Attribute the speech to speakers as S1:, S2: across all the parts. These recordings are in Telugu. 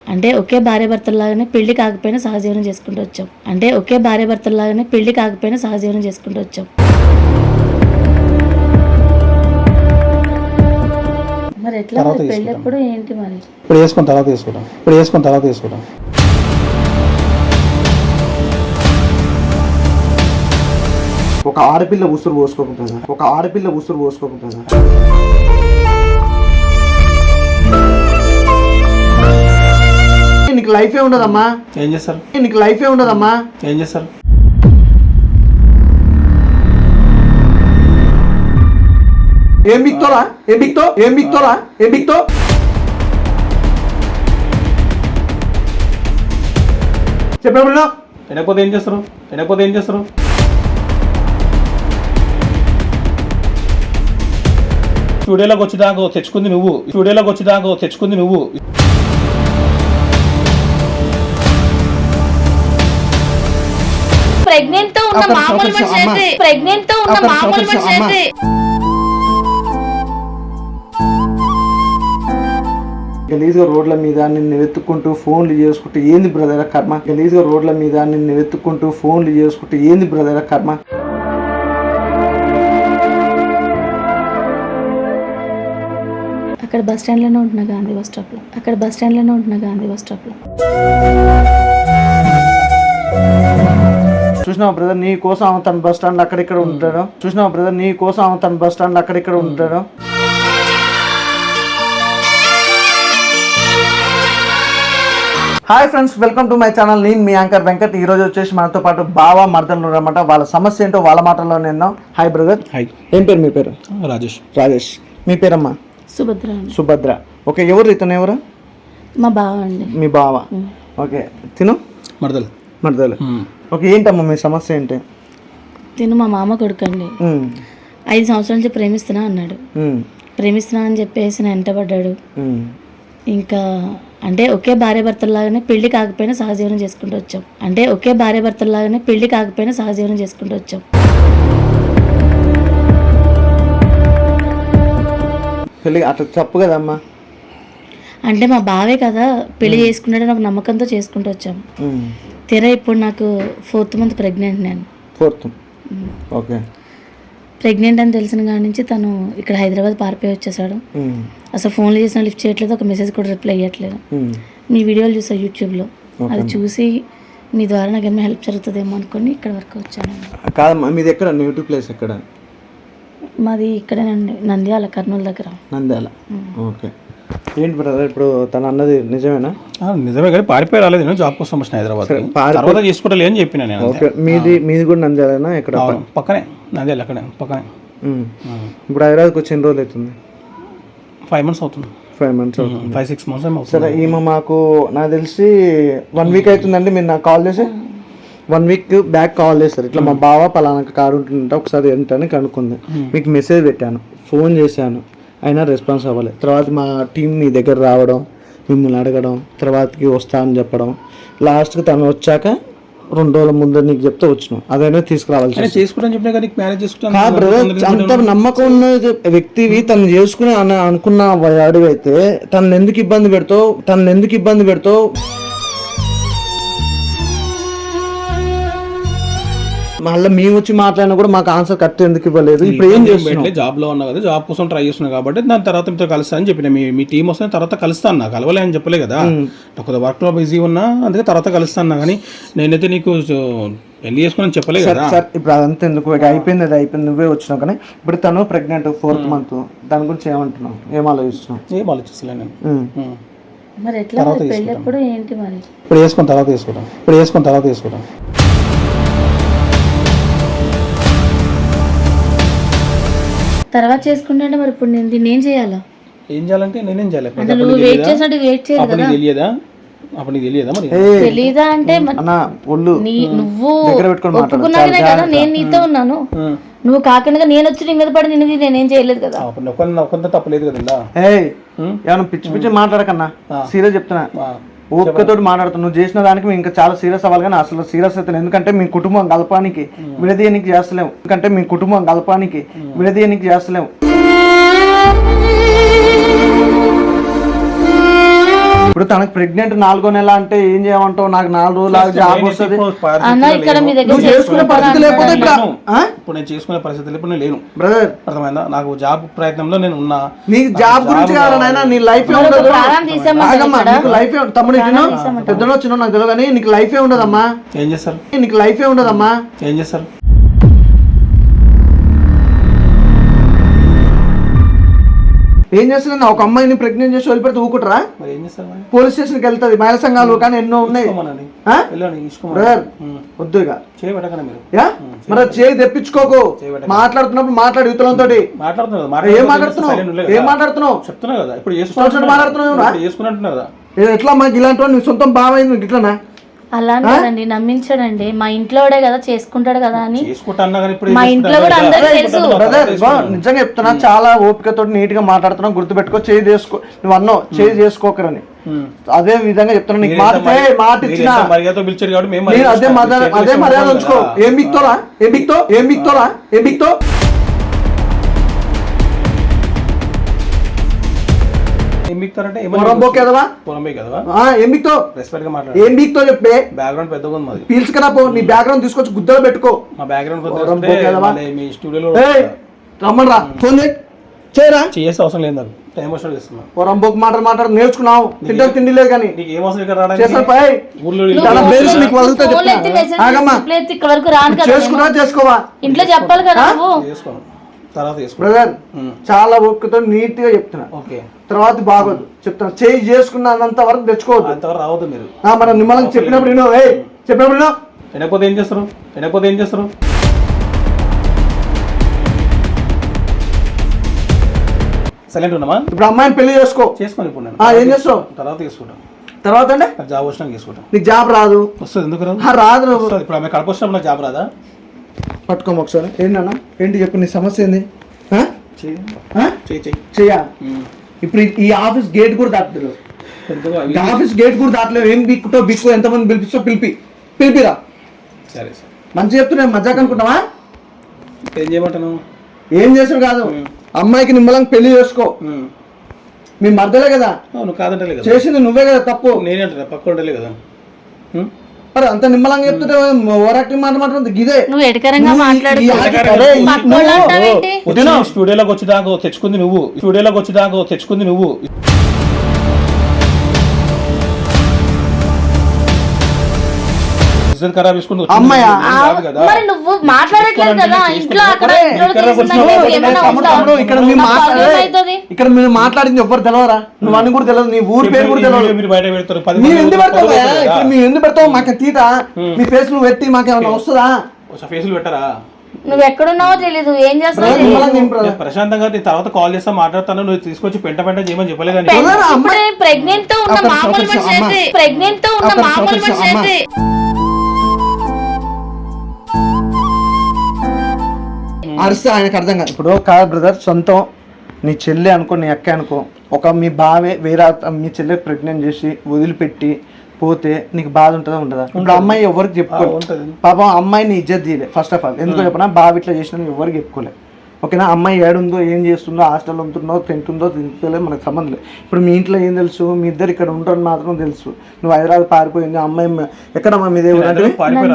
S1: అంటే ఒకే భార్య భర్తల్లాగానే పెళ్లి కాకపోయినా సహజీవనం చేసుకుంటూ వచ్చాం. మరి ఎట్లా పెళ్లి ఎప్పుడు ఏంటి మరి?
S2: ఇప్పుడు వేసుకున్న తర్వాత తీసుకుంటాం.
S3: ఒక ఆడపిల్ల ఉసురు పోసుకోకుండా నీకు లైఫే ఉండదమ్మా.
S2: ఏం చేస్తారు?
S3: ఏం బిక్తోలా చెప్పినప్పుడు
S2: తినకపోతే ఏం చేస్తారు? స్టూడియోలోకి వచ్చేదాకా తెచ్చుకుంది నువ్వు.
S1: ప్రెగ్నెంట్ తో ఉన్న మామూలు మనిషి అయితే
S3: గలీజ్గా రోడ్ల మీద నిన్ను వెతుక్కుంటూ ఫోన్లు చేసుకుంటూ ఏంది బ్రదర్ కర్మ.
S1: అక్కడ బస్ స్టాండ్ లోనే ఉంటున్నా గాంధీ బస్ స్టాప్ లో.
S3: చూసినావు బ్రదర్, నీ కోసం తన బస్ స్టాండ్ అక్కడిక్కడ ఉంటాడు. Hi friends, welcome to my channel. నేను మీ యాంకర్ వెంకట్. ఈ రోజు వచ్చేసి మనతో పాటు బావ మర్దలు అన్నమాట. వాళ్ళ సమస్య ఏంటో వాళ్ళ మాటల్లో నేను. Hi brother.
S2: హాయ్.
S3: ఏం పేరు మీ పేరు?
S2: రాజేష్.
S3: మీ పేరమ్మా? సుభద్ర. ఓకే, ఇతను ఎవరు?
S1: మా బావ అండి.
S3: మీ బావ. ఓకే, తిను మర్దలు. ఓకే, ఏంటమ్మా మీ సమస్య ఏంటి?
S1: తిను మా మామ కొడుకు అండి. 5 సంవత్సరాల నుంచి ప్రేమిస్తున్నా అని చెప్పేసి నేను వెంటబడ్డాడు. ఇంకా అంటే ఒకే భార్య భర్తల్లాగానే పెళ్లి కాకపోయినా సహజీవనం చేసుకుంటూ వచ్చాం.
S3: పెళ్ళి అట్లా తప్పు కదమ్మా.
S1: అంటే మా బావే కదా పెళ్లి చేసుకున్నాడు, నాకు నమ్మకంతో చేసుకుంటూ వచ్చాము. తీరా ఇప్పుడు నాకు 4th మంత్ ప్రెగ్నెంట్. నేను
S3: 4th. ఓకే.
S1: ప్రెగ్నెంట్ అని తెలిసిన కాడి నుంచి తను ఇక్కడ హైదరాబాద్ పారిపోయి వచ్చేసాడు. అసలు ఫోన్లు చేసినా లిఫ్ట్ చేయట్లేదు, ఒక మెసేజ్ కూడా రిప్లై ఇవ్వట్లేదు. మీ వీడియోలు చూసా యూట్యూబ్లో, అది చూసి మీ ద్వారా నాకు ఏమైనా హెల్ప్ జరుగుతుందేమో అనుకుని ఇక్కడ వరకు వచ్చాను.
S3: కాదమ్మా, మీది ఎక్కడ? నేటివ్ ప్లేస్ ఎక్కడ?
S1: మాది ఇక్కడేనండి, నంద్యాల, కర్నూలు దగ్గర.
S3: నంద్యాల. ఓకే. ఏంటి బ్రదర్ ఇప్పుడు తను అన్నది నిజమేనా?
S2: నిజమే, కానీ పారిపోయి రాలేదు. నేను జాబ్ కోసం వచ్చిన హైదరాబాద్. చేసుకోవట్లేదు అని చెప్పిన నేను.
S3: ఓకే, మీది కూడా నంద్యాలేనా? ఎక్కడ?
S2: పక్కనే నంద్యాల, అక్కడే పక్కనే.
S3: ఇప్పుడు హైదరాబాద్కి వచ్చి ఎన్ని రోజులు అవుతుంది?
S2: 5 months అవుతుంది.
S3: 5 months అవుతుంది.
S2: 5-6 months అవుతుంది.
S3: సరే, ఈమె మాకు నాకు తెలిసి 1 week అవుతుందండి. మీరు నాకు కాల్ చేసి 1 week బ్యాక్ కాల్ చేస్తారు. ఇట్లా మా బావ పలానా కారు ఉంటుందంటే ఒకసారి ఏంటని కనుక్కుంది. మీకు మెసేజ్ పెట్టాను, ఫోన్ చేశాను, అయినా రెస్పాన్స్ అవ్వలేదు. తర్వాత మా టీం మీ దగ్గర రావడం, మిమ్మల్ని అడగడం, తర్వాతకి వస్తా అని చెప్పడం, లాస్ట్కి తను వచ్చాక 2 రోజుల ముందు నీకు చెప్తే వచ్చినావు. అదైనా తీసుకురావాల్సి అంత నమ్మకం ఉన్న వ్యక్తివి తను చేసుకుని అనుకున్న వాడివి అయితే తను ఎందుకు ఇబ్బంది పెడతావు? మళ్ళీ మేము వచ్చి మాట్లాడినా కూడా మాకు ఆన్సర్ కరెక్ట్ ఎందుకు ఇవ్వలేదు? ఇప్పుడు ఏం చేస్తున్నాం?
S2: జాబ్ లో ఉన్నా కదా, జాబ్ కోసం ట్రై చేస్తున్నా కాబట్టి దాని తర్వాత మీతో కలుస్తా అని చెప్పిన. మీ టీం వస్తే తర్వాత కలుస్తాను. నాకు కలవలే అని చెప్పలే కదా, ఒక వర్క్ లో బిజీ ఉన్నా, అందుకే తర్వాత కలుస్తాను. కానీ నేనైతే నీకు పెళ్లి చేసుకుని చెప్పలేదు కదా.
S3: సార్ ఇప్పుడు అదంతా ఎందుకు? అయిపోయింది, నువ్వే వచ్చినావు. కానీ ఇప్పుడు తను ప్రెగ్నెంట్ 4th month, దాని గురించి ఏమంటున్నావు? ఏం
S2: ఆలోచిస్తలే నేను.
S1: మరి ఎట్లా పెళ్లి ఎప్పుడు ఏంటి మరి?
S2: ఇప్పుడు వేసుకున్న తర్వాత తీసుకుంటాం.
S1: తర్వాత చేసుకుంటే మరి ఇప్పుడు నేను దీన్ని ఏం చేయాలా?
S2: ఏం చేయాలంటే నేనేం చేయాలి?
S1: నువ్వు వెయిట్ చేసినట్టు వెయిట్ చేయదు కదా.
S2: అప్పుడు నీకు తెలియదా? మరి
S1: తెలీదా అంటే నువ్వు ఒప్పుకున్నాకనే కదా నేను నీతో ఉన్నాను. నువ్వు కాకుండా నేను వచ్చి నీ మీద పడి నేనేం చేయలేదు కదా.
S2: తప్పలేదు కదా.
S3: ఏమన్నా పిచ్చి మాట్లాడకన్నా, సీరియస్ చెప్తున్నా. ఓపికతోటి మాట్లాడుతాను. నువ్వు చేసిన దానికి మేము ఇంకా చాలా సీరియస్ అవ్వాలి, కానీ అసలు సీరియస్ అవుతాను. ఎందుకంటే మీ కుటుంబం కలపానికి విడదీయనికి చేస్తలేము. ఇప్పుడు తనకు ప్రెగ్నెంట్ 4వ నెల అంటే ఏం చేయమంటావు? నాకు 4 రోజులు జాబ్ వస్తుంది
S1: అన్న ఇక్కడ మీ దగ్గర
S3: నువ్వు చేసుకునే పరిస్థితి లేకపోతే
S2: ఇప్పుడు నేను చేసుకునే పరిస్థితి ఇప్పుడు నేను లేను
S3: బ్రదర్.
S2: అర్థమైందా? నాకు జాబ్ ప్రయత్నంలో నేను ఉన్నా.
S3: నీకు జాబ్ గురించి కావాలనైనా నీ లైఫ్ ఉండదు. ఆగమ్మా, నీకు లైఫ్ తమ్ముడు పెద్దలో చిన్న నాకు తెలియదు కానీ నీకు లైఫ్ ఉండదమ్మా.
S2: ఏం చేస్తారు?
S3: నీకు లైఫ్ ఉండదమ్మా.
S2: ఏం చేస్తారు?
S3: ఏం చేస్తున్నా? ఒక అమ్మాయిని ప్రెగ్నెంట్ చేసి వదిలిపెడితే ఊకుంటారా?
S2: మరి ఏం చేస్తారు?
S3: పోలీస్ స్టేషన్కి వెళ్తుంది, మహిళా సంఘాలు కానీ ఎన్నో ఉన్నాయి. బ్రదర్ వద్దు ఇక మరి చేయి తెప్పించుకోకు. మాట్లాడుతున్నప్పుడు మాట్లాడు యువతలతో. ఏం మాట్లాడుతున్నావు?
S2: చెప్తున్నా కదా ఇప్పుడు
S3: మాట్లాడుతున్నావు. ఎట్లా మాకు ఇలాంటి నీ సొంతం బావైంది ఇట్లానా?
S1: అలా అండి, నమ్మించాడండి. మా ఇంట్లో కదా చేసుకుంటాడు కదా అని.
S2: మా
S1: ఇంట్లో కూడా అందరికీ తెలుసు.
S3: నిజంగా చెప్తున్నా, చాలా ఓపికతో నీట్ గా మాట్లాడుతున్నావు. గుర్తుపెట్టుకో, చేయి చేసుకో. నువ్వు అన్నావు చేయి చేసుకోకరని. అదే విధంగా చెప్తున్నా, నీకు మాట ఇచ్చిన అదే మర్యాద ఉంచుకో. ఏం బిక్తోరా? చెప్పే పీల్చుకరా పో. నీ బ్యాక్గ్రౌండ్ తీసుకొచ్చి గుద్దలో పెట్టుకో. రమ్మని రా, ఫోన్ చేయరా.
S2: చేసే అవసరం లేదు నాకు. టైం వస్తుంది చేస్తున్నా.
S3: పొరంబోకు మాట్లాడు నేర్చుకున్నావు. తింటావు తిండి లేదు కానీ చేసుకున్నా చేసుకోవా.
S1: ఇంట్లో చెప్పాలి కదా.
S3: బ్రదర్ చాలా ఓపికతో నీట్ గా చెప్తున్నా. తర్వాత బాగోదు చెప్తున్నా. చేయి చేసుకున్నంత వరకు తెచ్చుకోవద్దు.
S2: రావద్దు మీరు.
S3: మనం నిమ్మలంగా చెప్పినప్పుడు
S2: వినకపోతే ఏం చేస్తారు? సైలెంట్ ఉన్నామా?
S3: ఇప్పుడు అమ్మాయిని పెళ్లి చేసుకోని
S2: ఇప్పుడు
S3: ఏం చేస్తావు?
S2: తర్వాత తీసుకుంటాం.
S3: తర్వాత అంటే
S2: జాబ్ వచ్చినా తీసుకుంటాం.
S3: నీకు జాబ్ రాదు.
S2: వస్తుంది. ఎందుకు రాదు?
S3: రాదు.
S2: ఇప్పుడు ఆమె కడప వచ్చినప్పుడు నాకు జాబ్ రాదా?
S3: పట్టుకోమ ఒకసారి. ఏంటన్నా ఏంటి చెప్పు, నీ సమస్య ఏంది? చెయ్యా. ఇప్పుడు ఈ ఆఫీస్ గేట్ కూడా దాటలేదు. ఆఫీస్ గేట్ కూడా దాటలేవు. ఏం బిక్కు ఎంతమంది పిలిపిస్తో పిలిపిరా.
S2: సరే సార్,
S3: మంచి చెప్తున్నా. మజాక్ అనుకుంటావా?
S2: ఏం చేయమంటాను?
S3: ఏం చేసాడు కాదు. అమ్మాయికి నిమ్మలంగా పెళ్లి చేసుకో. మీ మర్దలే కదా.
S2: కాదంటలే కదా
S3: చేసింది, నువ్వే కదా తప్పు.
S2: నేనంటే పక్క ఉంటలే కదా.
S3: మరి అంత నిమ్మలంగా చెప్తుంటే ఓరాక్టింగ్ మాట్లాడుతుంది. ఇదే
S1: నువ్వు ఎడకరంగా
S2: స్టూడియోలోకి వచ్చి దాకా తెచ్చుకుంది నువ్వు. ఖరాబ్ చేసుకుంది
S3: అమ్మాయి.
S1: మరి నువ్వు మాట్లాడట్లేదు కదా ఇంట్లో.
S3: ఇక్కడ మీరు మాట్లాడింది ఎవరు తెలవరా? నువ్వు అని కూడా తెలియదు, నీ ఊరి పేరు కూడా తెలియదు.
S2: మీరు బయట పెడతారు.
S3: మీరు ఎందుకు పెడతావు? మాకు తీట మీ ఫేస్ నువ్వు పెట్టి మాకేమన్నా వస్తుందా?
S2: ఫేసులు పెట్టరా?
S1: నువ్వు ఎక్కడున్నావో తెలీదు, ఏం చేస్తావు.
S2: ప్రశాంతంగా తర్వాత కాల్ చేస్తా, మాట్లాడతాను. నువ్వు తీసుకొచ్చి పెంట చేయమని చెప్పలేదు.
S1: ప్రెగ్నెంట్ తో ఉన్న మామూలు మనిషి అయితే
S3: అరిస్తే ఆయనకు అర్థం కాదు. ఇప్పుడు కాదు బ్రదర్, సొంతం నీ చెల్లి అనుకో, నీ అక్క అనుకో, ఒక మీ బావే వేరే మీ చెల్లె ప్రెగ్నెంట్ చేసి వదిలిపెట్టి పోతే నీకు బాధ ఉంటుందా ఉండదా? ఇప్పుడు అమ్మాయి ఎవరికి చెప్పుకోలేదు. పాపం అమ్మాయిని ఇజ్జత్ తీయలే ఫస్ట్ ఆఫ్ ఆల్. ఎందుకు చెప్పినా బావ ఇట్లా చేసిన ఎవరికి చెప్పుకోలేదు. ఓకేనా? అమ్మాయి ఏడుందో, ఏం చేస్తుందో, హాస్టల్లో ఉంటుందో, తింటుందో తింటలేదు, మనకు సంబంధం లేదు. ఇప్పుడు మీ ఇంట్లో ఏం తెలుసు? మీ ఇద్దరు ఇక్కడ ఉంటారని మాత్రం తెలుసు. నువ్వు హైదరాబాద్ పారిపోయింది. అమ్మాయి ఎక్కడమ్మా మీదే నంద్యాల.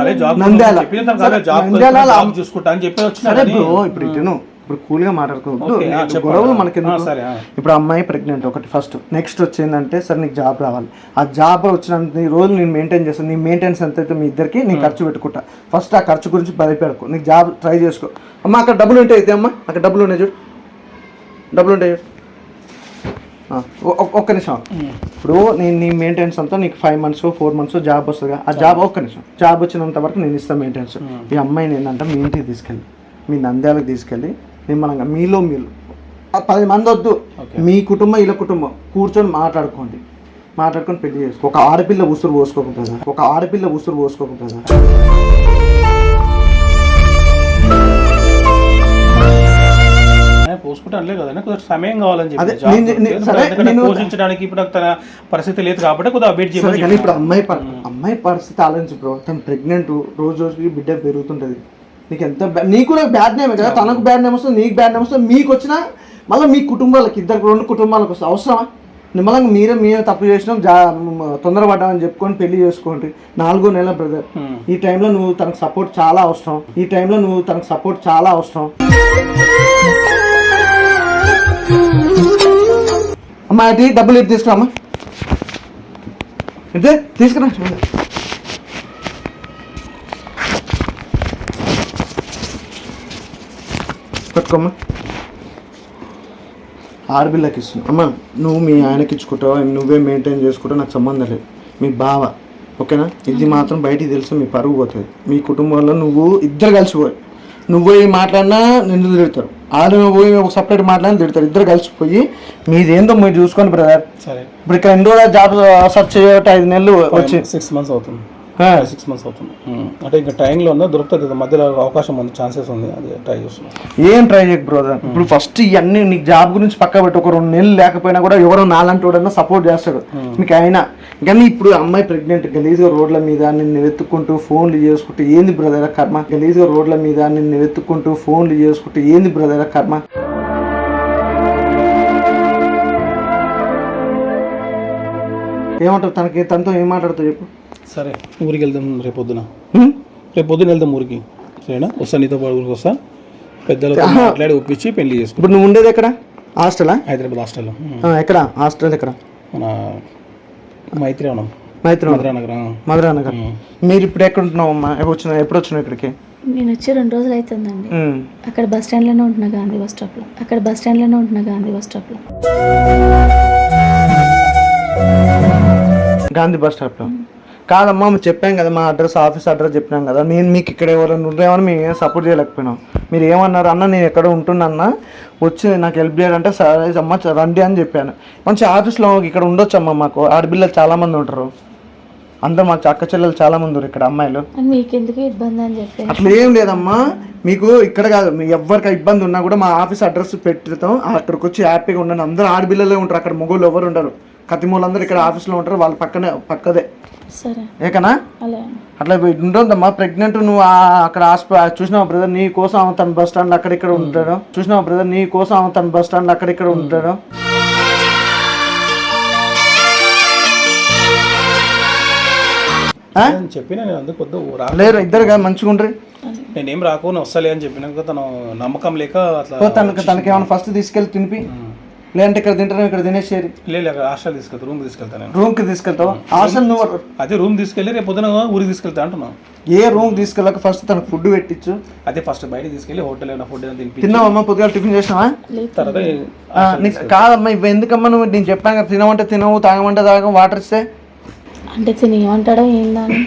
S3: సరే బ్రో, ఇప్పుడు ఇటు ఇప్పుడు కూల్గా మాట్లాడుకోవద్దు, గొడవలు మనకి. ఇప్పుడు అమ్మాయి ప్రెగ్నెంట్ ఒకటి ఫస్ట్. నెక్స్ట్ వచ్చిందంటే సరే నీకు జాబ్ రావాలి. ఆ జాబ్ వచ్చినంత రోజులు నేను మెయింటైన్ చేస్తాను. నీ మెయింటెనెన్స్ ఎంత అయితే మీ ఇద్దరికి నేను ఖర్చు పెట్టుకుంటా. ఫస్ట్ ఆ ఖర్చు గురించి భయపెడకు. నీకు జాబ్ ట్రై చేసుకో. అమ్మ అక్కడ డబ్బులు ఉంటాయి అయితే, అమ్మ అక్కడ డబ్బులు ఉన్నాయి చూడు, డబ్బులు ఉంటాయి చూడు. ఒక్క నిమిషం. ఇప్పుడు నేను నీ మెయింటెనెన్స్ అంతా నీకు 5 months 4 months జాబ్ వస్తుందిగా. ఆ జాబ్ ఒక్క నిమిషం, జాబ్ వచ్చినంత వరకు నేను ఇస్తాను మెయింటెనెన్స్. ఈ అమ్మాయిని ఏంటంటే మీ ఇంటికి తీసుకెళ్ళి, మీ నంద్యాలకు తీసుకెళ్ళి నిమ్మలంగా మీరు 10 మంది వద్దు, మీ కుటుంబం ఇలా కుటుంబం కూర్చొని మాట్లాడుకొని పెళ్లి చేసుకో. ఒక ఆడపిల్ల ఉసురు పోసుకోకుండా
S2: సమయం కావాలని చెప్పి పోషించడానికి ఇప్పుడు తన పరిస్థితి లేదు కాబట్టి కొద్దిగా వెయిట్ చేయాలి.
S3: కానీ ఇప్పుడు అమ్మాయి పరిస్థితి ఆలోచించు బ్రో. తను ప్రెగ్నెంట్, రోజుకి బిడ్డ పెరుగుతుంటది. నీకు కూడా బ్యాడ్ నేమ్ కదా. తనకు బ్యాడ్ నేమ్ వస్తుంది, నీకు బ్యాడ్ నేమ్ వస్తుంది. మీకు వచ్చినా మళ్ళీ మీ కుటుంబాలకి 2 కుటుంబాలకు వస్తుంది. అవసరమా? నిమ్మలంగా మీరే తప్పు చేసినాం తొందరపడ్డామని చెప్పుకొని పెళ్లి చేసుకోండి. 4 నెలల బ్రదర్. ఈ టైంలో నువ్వు తనకు సపోర్ట్ చాలా అవసరం. అమ్మా అది డబ్బులు ఇటు తీసుకురామ్మా, ఇదే తీసుకురా. పట్టుకోమ్మా. ఆడపిల్లకి ఇస్తున్నావు అమ్మా. నువ్వు మీ ఆయనకి ఇచ్చుకుంటావు, నువ్వే మెయింటైన్ చేసుకుంటావు, నాకు సంబంధం లేదు. మీ బావ ఓకేనా? ఇది మాత్రం బయటికి తెలుసు మీ పరుగు పోతుంది. మీ కుటుంబంలో నువ్వు ఇద్దరు కలిసిపోయి, నువ్వు పోయి మాట్లాడినా నిన్ను తిడతారు, వాళ్ళు పోయి ఒక సపరేట్ మాట్లాడినా తిడతారు. ఇద్దరు కలిసిపోయి మీదేందో మీరు చూసుకోండి బ్రదర్.
S2: సరే
S3: ఇప్పుడు ఇక్కడ ఎన్ని రోజులు జాబ్ సర్చ్ చేయబట్టి 5 నెలలు వచ్చి
S2: 6 months అవుతుంది. 6 months అవుతుంది. అంటే ఇంకా టైంలో ఉందా దొరుకుతుంది కదా, మధ్యలో అవకాశం ఉంది, ఛాన్సెస్ ఉంది, అది ట్రై చేస్తున్నాం.
S3: ఏం ట్రై చేయకు బ్రదర్. ఇప్పుడు ఫస్ట్ ఇవన్నీ నీకు జాబ్ గురించి పక్క పెట్టి ఒక 2 నెలలు లేకపోయినా కూడా ఎవరో నాలంటి వాడన్నా సపోర్ట్ చేస్తాడు మీకు అయినా. కానీ ఇప్పుడు అమ్మాయి ప్రెగ్నెంట్, గలీజ్గా రోడ్ల మీద నిన్ను వెతుక్కుంటూ ఫోన్లు చేసుకుంటూ ఏంది బ్రదర్ కర్మ. గలీజ్గా రోడ్ల మీద నిన్ను వెతుక్కుంటూ ఫోన్లు చేసుకుంటూ ఏంది బ్రదర్ కర్మ. ఏమంటావు తనతో ఏం మాట్లాడుతావు చెప్పు.
S2: సరే ఊరికి వెళ్దాం రేపు పొద్దున వెళ్దాం ఊరికి. సరేనా? వస్తా, నీతో పాటు ఊరికి వస్తా. పెద్దలతో మాట్లాడి ఒప్పించి పెళ్లి చేసుకో.
S3: ఇప్పుడు నువ్వు ఉండేది ఎక్కడ? హాస్టలా?
S2: హైదరాబాద్ హాస్టల్లో.
S3: ఎక్కడ హాస్టల్? ఎక్కడ?
S2: మన మైత్రివనం,
S3: మధురానగర్. మీరు ఇప్పుడు ఎక్కడ ఉంటున్నావు అమ్మా? ఎప్పుడు వచ్చినావు ఇక్కడికి?
S1: నేను వచ్చి 2 రోజులు అవుతుందండి. అక్కడ బస్ స్టాండ్లోనే ఉంటున్నా, గాంధీ బస్ స్టాప్లో.
S3: గాంధీ బస్ స్టాప్లో కాదమ్మా, చెప్పాం కదా మా అడ్రస్, ఆఫీస్ అడ్రస్ చెప్పినాం కదా. నేను మీకు ఇక్కడ ఎవరైనా ఉండేమని మేము ఏం సపోర్ట్ చేయలేకపోయినాం. మీరు ఏమన్నారు అన్న, నేను ఎక్కడ ఉంటున్నా వచ్చి నాకు హెల్ప్ చేయాలంటే సరే అమ్మ రండి అని చెప్పాను. మంచి ఆఫీస్లో ఇక్కడ ఉండొచ్చమ్మా, మాకు ఆడపిల్లలు చాలామంది ఉంటారు, అందరూ మాకు అక్క చెల్లెలు చాలామంది ఉన్నారు ఇక్కడ అమ్మాయిలు.
S1: మీకెందుకు ఇబ్బంది అని చెప్పి
S3: అట్లా ఏం లేదమ్మా. మీకు ఇక్కడ కాదు, మీ ఎవరికి ఇబ్బంది ఉన్నా కూడా మా ఆఫీస్ అడ్రస్ పెడతాం, అక్కడికి వచ్చి హ్యాపీగా ఉండండి. అందరూ ఆడపిల్లలే ఉంటారు అక్కడ, మొగోళ్ళు ఎవరు ఉండరు. కతిమూలందరూ ఇక్కడ ఆఫీస్లో ఉంటారు, వాళ్ళ పక్కదే.
S1: సరే
S3: ఏకనా? అట్లా ఉంటుందమ్మా. ప్రెగ్నెంట్ నువ్వు అక్కడ చూసినావు బ్రదర్, నీ కోసం తన బస్ స్టాండ్ అక్కడిక్కడ ఉంటాడు.
S2: చెప్పినా నేను అందుకు
S3: లేరు, ఇద్దరు కదా మంచిగా ఉండ్రి.
S2: నేనేం రాకుండా వస్తలే అని చెప్పినాక తను నమ్మకం లేక అట్లా
S3: తనకి ఏమైనా ఫస్ట్ తీసుకెళ్ళి తినిపి, లేదంటే ఇక్కడ తింటాను ఇక్కడ తినేసేది.
S2: లేదు హాస్టల్ తీసుకెళ్తా, రూమ్ తీసుకెళ్తాను.
S3: రూమ్కి తీసుకెళ్తావు? హాస్టల్ నువ్వు
S2: అదే రూమ్ తీసుకెళ్ళి రేపు పొద్దున ఊరికి తీసుకెళ్తా అంటున్నావు.
S3: ఏ రూమ్ తీసుకెళ్ళక ఫస్ట్ తనకు ఫుడ్ పెట్టించు.
S2: అదే ఫస్ట్ బయట తీసుకెళ్ళి హోటల్ ఏమైనా ఫుడ్ ఏమైనా తినిపి.
S3: తిన్నావమ్మా? పొద్దుగా టిఫిన్ చేసినావా?
S2: తర్వాత
S3: కాదమ్మా, ఇవి ఎందుకమ్మా నువ్వు? నేను చెప్పాను కదా, తినమంటే తినవు, తాగమంటే తాగం, వాటర్ ఇస్తే
S1: అంటే తిని ఏమంటాడో ఏందని.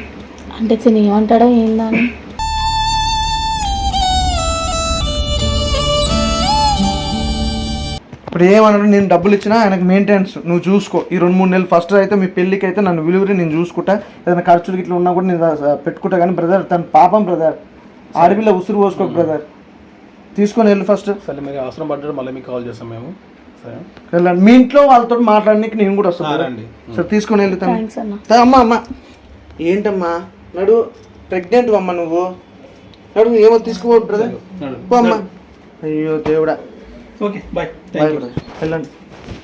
S3: ఇప్పుడు ఏమన్నాడు, నేను డబ్బులు ఇచ్చినా ఆయనకు మెయింటెనెన్స్ నువ్వు చూసుకో. ఈ 2-3 నెలలు ఫస్ట్ అయితే మీ పెళ్ళికి అయితే నన్ను విలువరి నేను చూసుకుంటా, ఏదైనా ఖర్చులు ఇట్లా ఉన్నా కూడా నేను పెట్టుకుంటా. కానీ బ్రదర్ తన పాపం బ్రదర్, ఆడపిల్ల ఉసురు పోసుకోక బ్రదర్. తీసుకొని వెళ్ళు ఫస్ట్.
S2: సరే మీరు అవసరం పడ్డారు, మళ్ళీ మీకు కాల్ చేస్తాం మేము. సరే
S3: వెళ్ళండి, మీ ఇంట్లో వాళ్ళతో మాట్లాడడానికి నేను కూడా వస్తాను. సరే తీసుకొని వెళ్తాను. అమ్మా ఏంటమ్మా నడు, ప్రెగ్నెంట్ అమ్మ నువ్వు నడు, ఏమో తీసుకో బ్రదర్. అమ్మా అయ్యో దేవుడా.
S2: ఓకే బాయ్,
S3: వెళ్ళండి.